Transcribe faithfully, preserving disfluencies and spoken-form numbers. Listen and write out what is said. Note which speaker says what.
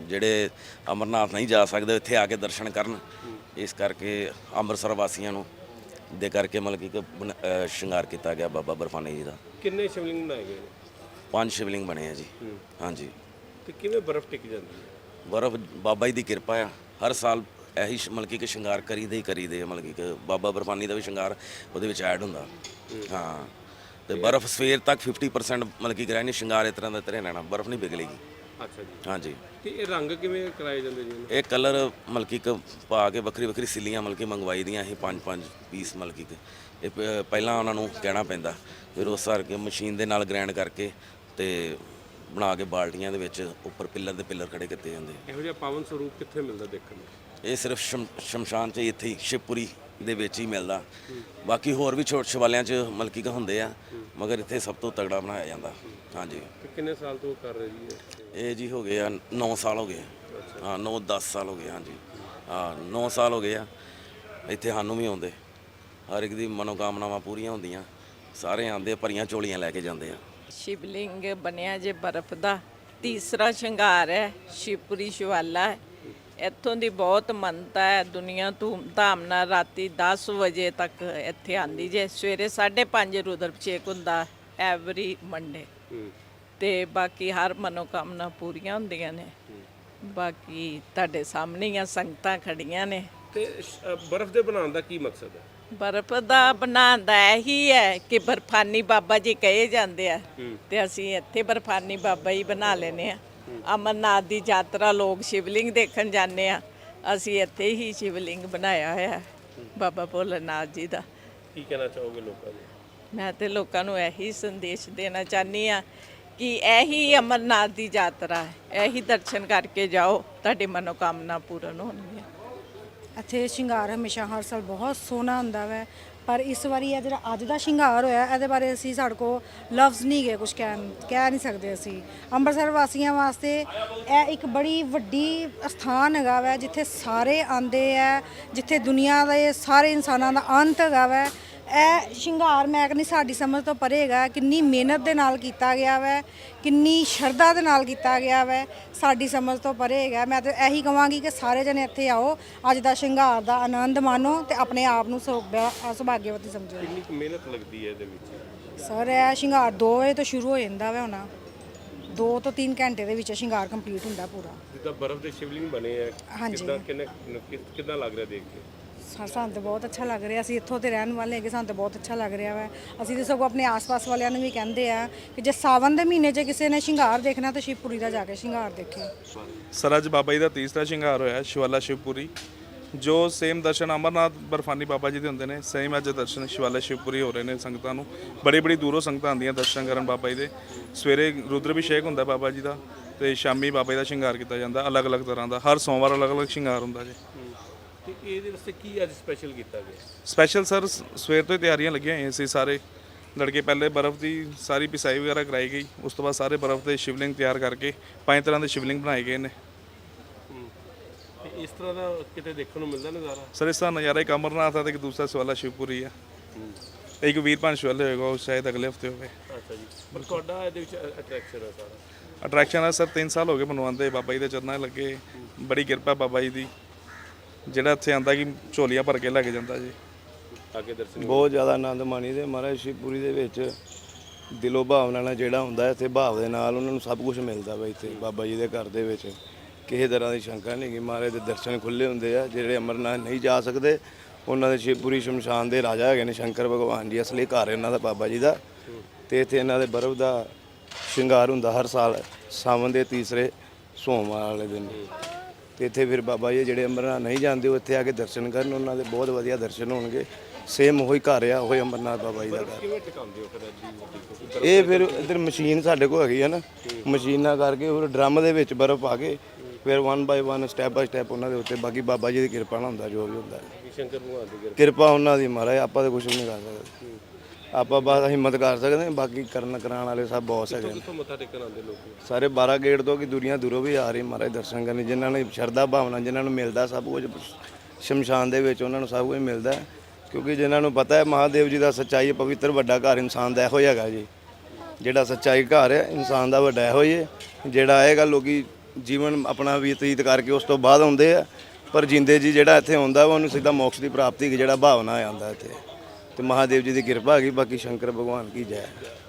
Speaker 1: ਜਿਹੜੇ ਅਮਰਨਾਥ ਨਹੀਂ ਜਾ ਸਕਦੇ ਇੱਥੇ ਆ ਕੇ ਦਰਸ਼ਨ ਕਰਨ। ਇਸ ਕਰਕੇ ਅੰਮ੍ਰਿਤਸਰ ਵਾਸੀਆਂ ਨੂੰ ਦੇ ਕਰਕੇ ਮਤਲਬ ਕਿ ਇੱਕ ਬਣ- ਅ, ਸ਼ਿੰਗਾਰ ਕੀਤਾ ਗਿਆ ਬਾਬਾ ਬਰਫਾਨੀ ਜੀ ਦਾ।
Speaker 2: ਕਿੰਨੇ ਸ਼ਿਵਲਿੰਗ ਬਣਾਏ ਗਏ ਨੇ?
Speaker 1: ਪੰਜ ਸ਼ਿਵਲਿੰਗ ਬਣੇ ਆ ਜੀ। ਹਾਂਜੀ,
Speaker 2: ਤੇ ਕਿਵੇਂ ਬਰਫ਼ ਟਿਕ ਜਾਂਦੀ ਹੈ?
Speaker 1: ਬਰਫ ਬਾਬਾ ਜੀ ਦੀ ਕਿਰਪਾ ਆ। ਹਰ ਸਾਲ ਇਹੀ ਸ਼- ਮਤਲਬ ਕਿ ਸ਼ਿੰਗਾਰ ਕਰੀਦੇ ਹੀ ਕਰੀਦੇ ਆ। ਮਤਲਬ ਕਿ ਬਾਬਾ ਬਰਫਾਨੀ ਦਾ ਵੀ ਸ਼ਿੰਗਾਰ ਉਹਦੇ ਵਿੱਚ ਐਡ ਹੁੰਦਾ। ਹਾਂ, ਤੇ ਬਰਫ ਸਵੇਰ ਤੱਕ ਫਿਫਟੀ ਪਰਸੈਂਟ ਮਤਲਬ ਕਿ ਕਰਾਇਆ ਨਹੀਂ ਸ਼ਿੰਗਾਰ ਇਸ ਤਰ੍ਹਾਂ ਦਾ ਤਰੇ ਰਹਿਣਾ, ਬਰਫ ਨਹੀਂ ਪਿਘਲੇਗੀ।
Speaker 2: ਅੱਛਾ ਜੀ।
Speaker 1: ਹਾਂਜੀ,
Speaker 2: ਤੇ ਇਹ ਰੰਗ ਕਿਵੇਂ ਕਰਾਏ ਜਾਂਦੇ ਜੀ ਇਹਨੂੰ?
Speaker 1: ਇਹ ਕਲਰ ਮਤਲਬ ਕਿ ਇੱਕ ਪਾ ਕੇ ਵੱਖਰੀ ਵੱਖਰੀ ਸਿੱਲੀਆਂ ਮਤਲਬ ਕਿ ਮੰਗਵਾਈ ਦੀਆਂ ਇਹ ਪੰਜ ਪੰਜ ਪੀਸ ਮਤਲਬ ਕਿ ਇਹ ਪ- ਪਹਿਲਾਂ ਉਹਨਾਂ ਨੂੰ ਕਹਿਣਾ ਪੈਂਦਾ, ਫਿਰ ਉਸ ਹਰ ਕੇ ਮਸ਼ੀਨ ਦੇ ਨਾਲ ਗ੍ਰਾਈਂਡ ਕਰਕੇ ਤੇ ਬਣਾ ਕੇ ਬਾਲਟੀਆਂ ਦੇ ਵਿੱਚ ਉੱਪਰ ਪਿੱਲਰ ਦੇ ਪਿੱਲਰ ਖੜੇ ਕੀਤੇ ਜਾਂਦੇ।
Speaker 2: ਇਹੋ ਜਿਹਾ ਪਾਵਨ ਸਰੂਪ ਕਿੱਥੇ ਮਿਲਦਾ ਦੇਖਣ ਨੂੰ?
Speaker 1: ਇਹ ਸਿਰਫ ਸ਼ਮ- ਸ਼ਮਸ਼ਾਨ 'ਚ ਇੱਥੇ ਹੀ ਸ਼ਿਵਪੁਰੀ ਦੇ ਵਿੱਚ ਹੀ ਮਿਲਦਾ। ਬਾਕੀ ਹੋਰ ਵੀ ਛੋਟੇ ਸ਼ਿਵਾਲਿਆਂ 'ਚ ਮਤਲਬ ਕਿ ਹੁੰਦੇ ਆ, ਮਗਰ ਇੱਥੇ ਸਭ ਤੋਂ ਤਗੜਾ ਬਣਾਇਆ ਜਾਂਦਾ। ਹਾਂਜੀ,
Speaker 2: ਤੇ ਕਿੰਨੇ ਸਾਲ ਤੋਂ ਕਰ ਰਹੇ ਜੀ ਇਹ?
Speaker 1: ਇਹ ਜੀ ਹੋ ਗਏ ਆ ਨੌ ਸਾਲ ਹੋ ਗਏ। ਹਾਂ, ਨੌ ਦਸ ਸਾਲ ਹੋ ਗਏ। ਹਾਂਜੀ, ਹਾਂ, ਨੌ ਸਾਲ ਹੋ ਗਏ ਆ। ਇੱਥੇ ਸਾਨੂੰ ਵੀ ਆਉਂਦੇ, ਹਰ ਇੱਕ ਦੀ ਮਨੋਕਾਮਨਾਵਾਂ ਪੂਰੀਆਂ ਹੁੰਦੀਆਂ। ਸਾਰੇ ਆਉਂਦੇ, ਭਰੀਆਂ ਝੋਲੀਆਂ ਲੈ ਕੇ ਜਾਂਦੇ ਆ।
Speaker 3: ਸ਼ਿਵਲਿੰਗ ਬਣਿਆ ਜੇ ਬਰਫ਼ ਦਾ, ਤੀਸਰਾ ਸ਼ਿੰਗਾਰ ਹੈ, ਸ਼ਿਵਪੁਰੀ ਸ਼ਿਵਾਲਾ ਹੈ। ਇੱਥੋਂ ਦੀ ਬਹੁਤ ਮੰਨਤਾ ਹੈ। ਦੁਨੀਆ ਧੂਮ ਧਾਮ ਨਾਲ ਰਾਤੀ ਦਸ ਵਜੇ ਤੱਕ ਇੱਥੇ ਆਂਦੀ ਜੇ। ਸਵੇਰੇ ਸਾਢੇ ਪੰਜ ਰੁਦਰ ਅਭਿਸ਼ੇਕ ਹੁੰਦਾ ਐਵਰੀ ਮੰਡੇ। ਤੇ ਬਾਕੀ ਹਰ ਮਨੋਕਾਮਨਾ ਪੂਰੀਆਂ ਹੁੰਦੀਆਂ ਨੇ। ਬਾਕੀ ਤੁਹਾਡੇ ਸਾਹਮਣੇ ਹੀ ਆ, ਸੰਗਤਾਂ ਖੜੀਆਂ ਨੇ।
Speaker 2: ਤੇ ਸ਼- ਅ, ਬਰਫ਼ ਦੇ ਬਣਾਉਣ ਦਾ ਕੀ ਮਕਸਦ ਹੈ?
Speaker 3: ਬਰਫ਼ ਦਾ ਬਣਾਉਣ ਦਾ ਇਹੀ ਹੈ ਕਿ ਬਰਫਾਨੀ ਬਾਬਾ ਜੀ ਕਹੇ ਜਾਂਦੇ ਆ, ਤੇ ਅਸੀਂ ਇੱਥੇ ਬਰਫਾਨੀ ਬਾਬਾ ਹੀ ਬਣਾ ਲੈਨੇ ਆ। ਅਮਰਨਾਥ ਦੀ ਯਾਤਰਾ ਲੋਕ ਸ਼ਿਵਲਿੰਗ ਦੇਖਣ ਜਾਂਦੇ ਆ, ਅਸੀਂ ਇੱਥੇ ਹੀ ਸ਼ਿਵਲਿੰਗ ਬਣਾਇਆ ਹੋਇਆ ਹੈ ਬਾਬਾ ਭੋਲੇਨਾਥ ਜੀ ਦਾ।
Speaker 2: ਕੀ ਕਹਿਣਾ ਚਾਹੋਗੇ ਲੋਕਾਂ ਨੂੰ?
Speaker 3: ਮੈਂ ਤੇ ਲੋਕਾਂ ਨੂੰ ਇਹੀ ਸੰਦੇਸ਼ ਦੇਣਾ ਚਾਹਨੀ ਆ ਕਿ ਇਹੀ ਅਮਰਨਾਥ ਦੀ ਯਾਤਰਾ ਹੈ, ਇਹੀ ਦਰਸ਼ਨ ਕਰਕੇ ਜਾਓ, ਤੁਹਾਡੀ ਮਨੋਕਾਮਨਾ ਪੂਰਨ ਹੋਣਗੀਆਂ।
Speaker 4: ਇੱਥੇ ਸ਼ਿੰਗਾਰ ਹਮੇਸ਼ਾ ਹਰ ਸਾਲ ਬਹੁਤ ਸੋਹਣਾ ਹੁੰਦਾ ਵੈ, ਪਰ ਇਸ ਵਾਰੀ ਇਹ ਜਿਹੜਾ ਅੱਜ ਦਾ ਸ਼ਿੰਗਾਰ ਹੋਇਆ ਇਹਦੇ ਬਾਰੇ ਅਸੀਂ ਸਾਡੇ ਕੋਲ ਲਫ਼ਜ਼ ਨਹੀਂ ਗਏ, ਕੁਝ ਕਹਿ ਕਹਿ ਨਹੀਂ ਸਕਦੇ ਅਸੀਂ। ਅੰਮ੍ਰਿਤਸਰ ਵਾਸੀਆਂ ਵਾਸਤੇ ਇਹ ਇੱਕ ਬੜੀ ਵੱਡੀ ਸਥਾਨ ਹੈਗਾ ਵੈ, ਜਿੱਥੇ ਸਾਰੇ ਆਉਂਦੇ ਹੈ, ਜਿੱਥੇ ਦੁਨੀਆ ਦੇ ਸਾਰੇ ਇਨਸਾਨਾਂ ਦਾ ਅੰਤ ਹੈਗਾ ਵੈ। ਇਹ ਸ਼ਿੰਗਾਰ ਮੈਂ ਕਹਿੰਦੀ ਸਾਡੀ ਸਮਝ ਤੋਂ ਪਰੇ ਹੈਗਾ। ਕਿੰਨੀ ਮਿਹਨਤ ਦੇ ਨਾਲ ਕੀਤਾ ਗਿਆ ਵੈ, ਕਿੰਨੀ ਸ਼ਰਧਾ ਦੇ ਨਾਲ ਕੀਤਾ ਗਿਆ ਵੈ, ਸਾਡੀ ਸਮਝ ਤੋਂ ਪਰੇ ਹੈਗਾ। ਮੈਂ ਤਾਂ ਇਹੀ ਕਹਾਂਗੀ ਕਿ ਸਾਰੇ ਜਣੇ ਇੱਥੇ ਆਓ, ਅੱਜ ਦਾ ਸ਼ਿੰਗਾਰ ਦਾ ਆਨੰਦ ਮਾਣੋ ਤੇ ਆਪਣੇ ਆਪ ਨੂੰ ਸੌਭਾ- ਸੁਭਾਗਿਆਵਤੀ ਸਮਝੋ।
Speaker 2: ਕਿੰਨੀ ਕੁ ਮਿਹਨਤ ਲੱਗਦੀ ਹੈ ਇਹਦੇ ਵਿੱਚ?
Speaker 4: ਸਰ ਇਹ ਸ਼ਿੰਗਾਰ ਦੋ ਵਜੇ ਤੋਂ ਸ਼ੁਰੂ ਹੋ ਜਾਂਦਾ ਵੈ, ਹੋਣਾ ਦੋ ਤੋਂ ਤਿੰਨ ਘੰਟੇ ਦੇ ਵਿੱਚ ਸ਼ਿੰਗਾਰ ਕੰਪਲੀਟ ਹੁੰਦਾ ਪੂਰਾ।
Speaker 2: ਜਿੱਦਾਂ ਬਰਫ਼ ਦੇ ਸ਼ਿਵਲਿੰਗ ਬਣੇ ਆ,
Speaker 4: ਹਾਂਜੀ।
Speaker 2: ਕਿੱਦਾਂ ਕਿੰਨੇ ਕਿੱਦਾਂ ਲੱਗ ਰਿਹਾ ਦੇਖ ਕੇ?
Speaker 4: ਸਾ- ਸਾਨੂੰ ਤਾਂ ਬਹੁਤ ਅੱਛਾ ਲੱਗ ਰਿਹਾ। ਅਸੀਂ ਇੱਥੋਂ ਦੇ ਰਹਿਣ ਵਾਲੇ ਹੈਗੇ, ਸਾਨੂੰ ਤਾਂ ਬਹੁਤ ਅੱਛਾ ਲੱਗ ਰਿਹਾ ਵਾ। ਅਸੀਂ ਤਾਂ ਸਗੋਂ ਆਪਣੇ ਆਸ-ਪਾਸ ਵਾਲਿਆਂ ਨੂੰ ਵੀ ਕਹਿੰਦੇ ਆ ਕਿ ਜੇ ਸਾਵਨ ਦੇ ਮਹੀਨੇ 'ਚ ਕਿਸੇ ਨੇ ਸ਼ਿੰਗਾਰ ਦੇਖਣਾ ਤਾਂ ਸ਼ਿਵਪੁਰੀ ਦਾ ਜਾ ਕੇ ਸ਼ਿੰਗਾਰ ਦੇਖੇ।
Speaker 5: ਸਰ ਅੱਜ ਬਾਬਾ ਜੀ ਦਾ ਤੀਸਰਾ ਸ਼ਿੰਗਾਰ ਹੋਇਆ ਸ਼ਿਵਾਲਾ ਸ਼ਿਵਪੁਰੀ। ਜੋ ਸੇਮ ਦਰਸ਼ਨ ਅਮਰਨਾਥ ਬਰਫਾਨੀ ਬਾਬਾ ਜੀ ਦੇ ਹੁੰਦੇ ਨੇ, ਸੇਮ ਅੱਜ ਦਰਸ਼ਨ ਸ਼ਿਵਾਲਾ ਸ਼ਿਵਪੁਰੀ ਹੋ ਰਹੇ ਨੇ। ਸੰਗਤਾਂ ਨੂੰ ਬੜੀ ਬੜੀ ਦੂਰੋਂ ਸੰਗਤਾਂ ਆਉਂਦੀਆਂ ਦਰਸ਼ਨ ਕਰਨ ਬਾਬਾ ਜੀ ਦੇ। ਸਵੇਰੇ ਰੁਦਰ ਅਭਿਸ਼ੇਕ ਹੁੰਦਾ ਬਾਬਾ ਜੀ ਦਾ, ਤੇ ਸ਼ਾਮੀ ਬਾਬਾ ਜੀ ਦਾ ਸ਼ਿੰਗਾਰ ਕੀਤਾ ਜਾਂਦਾ ਅਲੱਗ-ਅਲੱਗ ਤਰ੍ਹਾਂ ਦਾ। ਹਰ ਸੋਮਵਾਰ ਅਲੱਗ-ਅਲੱਗ ਸ਼ਿੰਗਾਰ ਹੁੰਦਾ ਜੀ।
Speaker 2: ਤੇ ਇਹਦੇ ਵਾਸਤੇ ਕੀ ਅੱਜ ਸਪੈਸ਼ਲ ਕੀਤਾ ਗਿਆ?
Speaker 5: ਸਪੈਸ਼ਲ ਸਰ ਸਵੇਰ ਤੋਂ ਹੀ ਤਿਆਰੀਆਂ ਲੱਗੀਆਂ ਹੋਈਆਂ ਸੀ। ਸਾਰੇ ਲੜਕੇ ਪਹਿਲੇ ਬਰਫ਼ ਦੀ ਸਾਰੀ ਪਿਸਾਈ ਵਗੈਰਾ ਕਰਾਈ ਗਈ, ਉਸ ਤੋਂ ਬਾਅਦ ਸਾਰੇ ਬਰਫ਼ ਦੇ ਸ਼ਿਵਲਿੰਗ ਤਿਆਰ ਕਰਕੇ ਪੰਜ ਤਰ੍ਹਾਂ ਦੇ ਸ਼ਿਵਲਿੰਗ ਬਣਾਏ ਗਏ ਨੇ।
Speaker 2: ਤੇ ਇਸ ਤਰ੍ਹਾਂ ਦਾ ਕਿਤੇ ਦੇਖਣ ਨੂੰ ਮਿਲਦਾ ਨਜ਼ਾਰਾ?
Speaker 5: ਸਰ ਇਸ ਦਾ ਨਜ਼ਾਰਾ ਇੱਕ ਅਮਰਨਾਥ ਆ ਤੇ ਇੱਕ ਦੂਸਰਾ ਸ਼ਿਵਾਲਾ ਸ਼ਿਵਪੁਰੀ ਆ। ਇੱਕ ਵੀਰਪਾਨ ਸ਼ਿਵਾਲਾ ਹੋਏਗਾ, ਉਹ ਸ਼ਾਇਦ ਅਗਲੇ ਹਫਤੇ ਹੋਵੇ।
Speaker 2: ਅੱਛਾ ਜੀ। ਪਰ ਤੁਹਾਡਾ ਇਹਦੇ ਵਿੱਚ ਅਟਰੈਕਸ਼ਨ ਹੈ ਸਾਰਾ?
Speaker 5: ਅਟਰੈਕਸ਼ਨ ਆ ਸਰ, ਤਿੰਨ ਸਾਲ ਹੋ ਗਏ ਬਣਵਾਉਂਦੇ, ਬਾਬਾ ਜੀ ਦੇ ਚਰਨਾਂ 'ਚ ਲੱਗੇ। ਬੜੀ ਕਿਰਪਾ ਬਾਬਾ ਜੀ ਦੀ, ਜਿਹੜਾ ਇੱਥੇ ਆਂਦਾ ਕਿ ਝੋਲੀਆਂ ਭਰ ਕੇ ਲੈ ਕੇ ਜਾਂਦਾ ਜੀ।
Speaker 2: ਅੱਗੇ ਦਰਸ਼ਨ
Speaker 6: ਬਹੁਤ ਜ਼ਿਆਦਾ ਆਨੰਦ ਮਾਣੀ ਦੇ ਮਹਾਰਾਜ ਸ਼ਿਵਪੁਰੀ ਦੇ ਵਿੱਚ। ਦਿਲੋਂ ਭਾਵਨਾ ਨਾਲ ਜਿਹੜਾ ਹੁੰਦਾ ਇੱਥੇ ਭਾਵ ਦੇ ਨਾਲ ਉਹਨਾਂ ਨੂੰ ਸਭ ਕੁਝ ਮਿਲਦਾ ਵਾ ਇੱਥੇ ਬਾਬਾ ਜੀ ਦੇ ਘਰ ਦੇ ਵਿੱਚ। ਕਿਸੇ ਤਰ੍ਹਾਂ ਦੀ ਸ਼ੰਕਾ ਨਹੀਂ ਕਿ ਮਹਾਰਾਜ ਦੇ ਦਰਸ਼ਨ ਖੁੱਲ੍ਹੇ ਹੁੰਦੇ ਆ। ਜਿਹੜੇ ਅਮਰਨਾਥ ਨਹੀਂ ਜਾ ਸਕਦੇ ਉਹਨਾਂ ਦੇ ਸ਼ਿਵਪੁਰੀ ਸ਼ਮਸ਼ਾਨ ਦੇ ਰਾਜਾ ਹੈਗੇ ਨੇ ਸ਼ੰਕਰ ਭਗਵਾਨ ਜੀ, ਅਸਲੀ ਘਰ ਇਹਨਾਂ ਦਾ ਬਾਬਾ ਜੀ ਦਾ। ਤੇ ਇੱਥੇ ਇਹਨਾਂ ਦੇ ਬਰਫ਼ ਦਾ ਸ਼ਿੰਗਾਰ ਹੁੰਦਾ ਹਰ ਸਾਲ ਸਾਵਣ ਦੇ ਤੀਸਰੇ ਸੋਮਵਾਰ ਵਾਲੇ ਦਿਨ। ਤੇ ਇੱਥੇ ਫਿਰ ਬਾਬਾ ਜੀ ਜਿਹੜੇ ਅਮਰਨਾਥ ਨਹੀਂ ਜਾਂਦੇ ਉਹ ਇੱਥੇ ਆ ਕੇ ਦਰਸ਼ਨ ਕਰਨ, ਉਹਨਾਂ ਦੇ ਬਹੁਤ ਵਧੀਆ ਦਰਸ਼ਨ ਹੋਣਗੇ। ਸੇਮ ਉਹੀ ਘਰ ਆ, ਉਹੀ ਅਮਰਨਾਥ ਬਾਬਾ ਜੀ ਦਾ ਘਰ।
Speaker 2: ਕਿਵੇਂ ਟਿਕਾਉਂਦੇ ਹੋ ਫਿਰ ਐਡੀ?
Speaker 6: ਇਹ ਫਿਰ ਇੱਧਰ ਮਸ਼ੀਨ ਸਾਡੇ ਕੋਲ ਹੈਗੀ ਆ ਨਾ, ਮਸ਼ੀਨਾਂ ਕਰਕੇ ਫਿਰ ਡਰਮ ਦੇ ਵਿੱਚ ਬਰਫ਼ ਪਾ ਕੇ ਫਿਰ one by one step by step ਉਹਨਾਂ ਦੇ ਉੱਤੇ। ਬਾਕੀ ਬਾਬਾ ਜੀ ਦੀ ਕਿਰਪਾ ਨਾਲ ਹੁੰਦਾ ਜੋ ਵੀ ਹੁੰਦਾ।
Speaker 2: ਸ਼ੰਕਰ ਭਗਵਾਨ ਦੀ ਕਿਰਪਾ
Speaker 6: ਕਿਰਪਾ ਉਹਨਾਂ ਦੀ ਮਹਾਰਾਜ, ਆਪਾਂ ਤਾਂ ਕੁਝ ਨਹੀਂ ਕਰ ਸਕਦੇ। ਆਪਾਂ ਬਸ ਹਿੰਮਤ ਕਰ ਸਕਦੇ ਹਾਂ, ਬਾਕੀ ਕਰਨ ਕਰਾਉਣ ਵਾਲੇ ਸਭ ਬਹੁਤ ਹੈਗੇ ਨੇ।
Speaker 2: ਕਿੱਥੋਂ ਮੱਥਾ ਟੇਕਣ ਆਉਂਦੇ ਲੋਕ?
Speaker 6: ਸਾਰੇ ਬਾਰਾਂ ਗੇਟ ਤੋਂ ਕਿ ਦੁਨੀਆ ਦੂਰੋਂ ਵੀ ਆ ਰਹੀ ਮਹਾਰਾਜ ਦਰਸ਼ਨ ਕਰਨ। ਜਿਨ੍ਹਾਂ ਨੇ ਸ਼ਰਧਾ ਭਾਵਨਾ, ਜਿਨ੍ਹਾਂ ਨੂੰ ਮਿਲਦਾ ਸਭ ਕੁਝ ਸ਼ਮਸ਼ਾਨ ਦੇ ਵਿੱਚ, ਉਹਨਾਂ ਨੂੰ ਸਭ ਕੁਝ ਮਿਲਦਾ। ਕਿਉਂਕਿ ਜਿਨ੍ਹਾਂ ਨੂੰ ਪਤਾ ਹੈ ਮਹਾਦੇਵ ਜੀ ਦਾ ਸੱਚਾਈ ਪਵਿੱਤਰ ਵੱਡਾ ਘਰ ਇਨਸਾਨ ਦਾ ਇਹੋ ਹੀ ਹੈਗਾ ਜੀ। ਜਿਹੜਾ ਸੱਚਾਈ ਘਰ ਹੈ ਇਨਸਾਨ ਦਾ ਵੱਡਾ ਇਹੋ ਹੀ ਹੈ। ਜਿਹੜਾ ਆਏਗਾ ਲੋਕੀ ਜੀਵਨ ਆਪਣਾ ਬਤੀਤ ਕਰਕੇ ਉਸ ਤੋਂ ਬਾਅਦ ਆਉਂਦੇ ਆ। ਪਰ ਜਿੰਦੇ ਜੀ ਜਿਹੜਾ ਇੱਥੇ ਆਉਂਦਾ ਵਾ ਉਹਨੂੰ ਸਿੱਧਾ ਮੋਕਸ਼ ਦੀ ਪ੍ਰਾਪਤੀ ਦੀ ਜਿਹੜਾ ਭਾਵਨਾ ਆਉਂਦਾ ਇੱਥੇ, ਤੇ ਮਹਾਦੇਵ ਜੀ ਦੀ ਕਿਰਪਾ ਹੈਗੀ। ਬਾਕੀ ਸ਼ੰਕਰ ਭਗਵਾਨ ਕੀ ਜੈ।